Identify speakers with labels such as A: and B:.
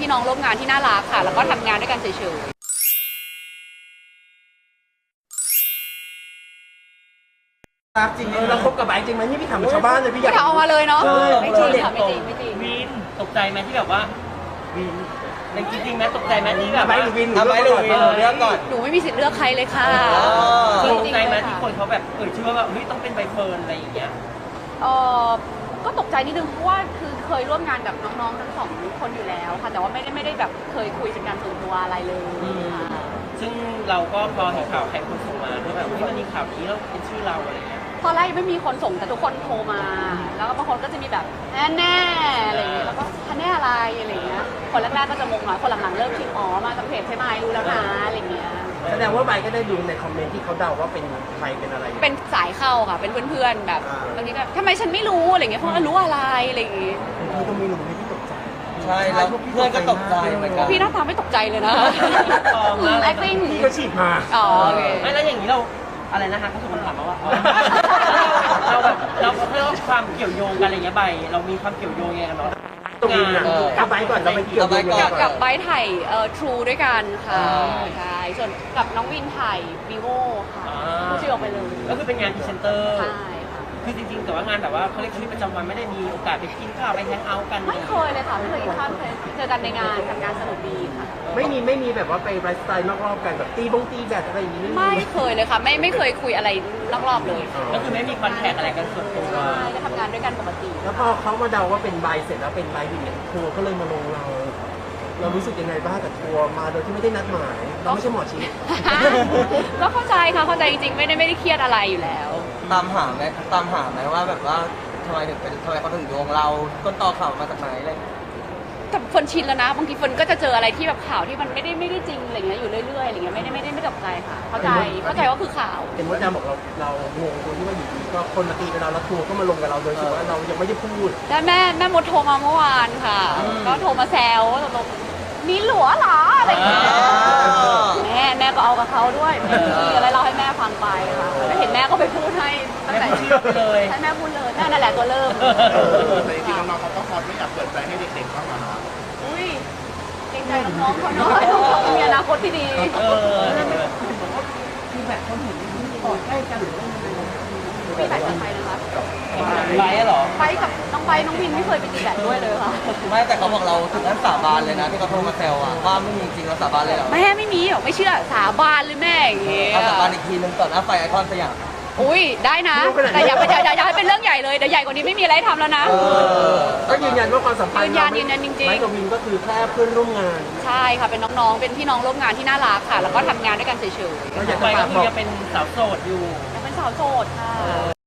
A: น้องร่วมงานที่น่ารักค่ะแล้วก็ทำงานด้วยกันเฉย
B: รักจริงเราคบกับไบค์จริงไหมนี่พี่ถามชาวบ้านเลยพี่
A: ๆ
B: อยาก
A: ก็เอามาเลยเนาะ
B: ใช่
A: ไม่จริงค่ะไม่จริงไม่จริง
C: วินตกใจไหมที่แบบว่าวินในจริงๆไหมตกใจไหมที่แบบ
B: ไบค์หรือวิน
D: ไบค์หรือวินเลือกก่อน
A: หนูไม่มีสิทธิ์เลือกใครเลยค่ะ
C: ตกใจไหมที่คนเขาแบบชื่อว่าแบบเฮ้ยต้องเป็นใบเฟิร์นอะไรอย่างเงี้ย
A: เออก็ตกใจนิดนึงเพราะว่าคือเคยร่วมงานกับน้องๆทั้งสองคนอยู่แล้วค่ะแต่ว่าไม่ได้แบบเคยคุยเป็นการส่วนตัวอะไรเลยค่ะ
C: ซึ่งเราก็พอเห็นข่าวใครคนส่งมาด้วยแบบเฮ้ยมันมีข่าวนี้แล้วเป็นชื่อเราอะไรเงี้ย
A: ตอนแรกยังไม่มีคนส่งแต่ทุกคนโทรมา แล้วก็บางคนก็จะมีแบบแน่ๆอะไรอย่างเงี้ยแล้วก็แน่อะไรอะไรอย่างเงี้ยคนแรกๆก็จะงงหน่อยคนหลังๆเริ่มคิดอ๋อมาจากเพจใช่ไหมรู้แล้วนะอะไรอย่างเงี้ย
B: แสดงว่าไบค์ก็ได้ดูในคอมเมนต์ที่เขาเดาว่าเป็นใครเป็นอะไร
A: เป็นสายเข้าค่ะเป็นเพื่อนๆแบบบางทีก็ทำไมฉันไม่รู้อะไรอย่างเงี้ยเพราะว่ารู้อะไรอะไรอย่างเงี้ย
B: พี่ก็ไม่รู้พี่ตกใจ
D: ใช่แล้วเพื่อนก็ตกใจเหมือนกัน
A: พี่หน้าตาไม่ตกใจเลยนะ acting
B: พี่ก็ฉีดมา
A: อ๋อโอเค
C: ไม่แล้วอย่างนี้เราอะไรนะคะเขาส่งคำถามมาว่าเราแบบเราเรื่องความเกี่ยวโยงกันอะไรเงี้ยใบเรามีความเกี่ยวโยงยังไงกันเนาะ
B: ตรงนี้นะกับไบค์ก่อนเราไปเกี่ยวกับ
A: กับไบท์ถ่ายTrue ด้วยกันค่ะใช่ส่วนกับน้องวินถ่าย vivo ค่ะพูดชื่อออกไปเลย
C: ก็คือเป็นงานพรีเซนเตอร์
A: ใช่ค่ะ
C: คือจริงๆแต่ว่างานแบบว่าเขาเรียกชีวิตประจำวันไม่ได้มีโอกาสไปกินข้าวไปแฮงเอาท์กัน
A: ไม่เคยเลยค่ะไม่เคยกินข้าวเคยเจอกันในงานทำงานสนุกดีค่ะ
B: ไม่มีแบบว่าไปไลฟ์สไตล์นอกรอบกันแบบตีแบดอะไรอย่างนี้
A: ไม่เคยเลยค่ะไม่เคยคุยอะไรนอกรอบเลย
C: ก็คือไม่มีคอนแทคอะไรกันส่วนตัว
A: ใช่ก็ทำงานด้วยกันปกติ
B: แล้วพอเขามาเดาว่าเป็นไบค์เสร็จแล้วเป็นไบค์อย่างเงี้ยทัวร์ก็เลยมาลงเรารู้สึกยังไงบ้างกับทัวร์มาโดยที่ไม่ได้นัดหมายเราไม่ใช่หมอชีส
A: ก็เข้าใจค่ะเข้าใจจริงๆไม่ได้เครียดอะไรอยู่แล้ว
D: ตามหาไหมว่าแบบว่าทำไมเขาถึงโยงเราต้นตอข่าวมาจากไหนอะไรอย่างเงี้ย
A: แต่คนชินแล้วนะบางทีคนก็จะเจออะไรที่แบบข่าวที่มันไม่ได้จริงอะไรเงี้ยอยู่เรื่อยๆอะไรเงี้ยไม่ตกใจค่ะเข้าใจว่าคือข่าว
B: เห็นว่าจะบอกเรางงตรงที่ว่าอยู่ดีก็คนมาตีกับเราแล้วทัวร์ก็มาลงกับเราโดยที่ว่าเรายังไม่ได้พูด
A: แล้วแม่มดโทรมาเมื่อวานค่ะ ก็โทรมาแซวว่าตกลงมีหลัวเหรออะไรอย่างเงี้ยแม่ก็เอากับเขาด้วยมีอะไรเล่าให้แม่ฟังไปค่ะแล้วเห็นแม่ก็ไปพูดให้ตั้งแต่
C: แม่พูดเลย
A: ให้แม่พูดเลยแม่นั่นแหละตัวเริ่ม
E: แต่จริงๆน้องๆเขาก็ฮอตไม่อยากเปิดใจให้เด็กๆบ้างเหรอเนาะ
A: อุ้ยเกรงใจน้องๆเขาเนาะน้องๆมีอนาคตที่ดี
B: คือแบบคนเห็นกอดใกล้กันหรือว่า
A: มีแบตกับใครนะคะ
C: ไลฟ์เหรอ
A: ไปกับน้องไปน้องวินไม่เคยไปตีแบตด้วยเลยค่ะ
D: ไม่แต่เขาบอกเราถึงขั้นสาบานเลยนะที่เขาโทรมาแซวอะว่าไม่มีจริงเราสาบานเลยเหรอ
A: แม่ไม่มีหรอกไม่เชื่อสาบานเลยแม่อย่างเงี้ย
D: เขาสาบานอีกทีนึงต่อหน้าไฟไอคอนสยาม
A: อุ้ยได้นะ แต่อย่าให้เป็นเรื่องใหญ่เลยเดี๋ยวใหญ่กว่านี้ไม่มีอะไรทำแล้วนะ
B: ก็ยืนยันว่าความสัมพันธ์
A: ยืนยันจริงๆ
B: ไบค์กับวินก็คือแค่เพื่อนร่วมงาน
A: ใช่ค่ะเป็นน้องๆเป็นพี่น้องร่วมงานที่น่ารักค่ะ แล้วก็ทำงานด้วยกันเฉย
B: ก็อยาก
C: ไป
B: จะฝา
C: ก็
B: ก
C: คื
B: บอ
C: อก จะเป็นสาวโสดอยู่
A: ๆแต่เป็นสาวโสดค่ะ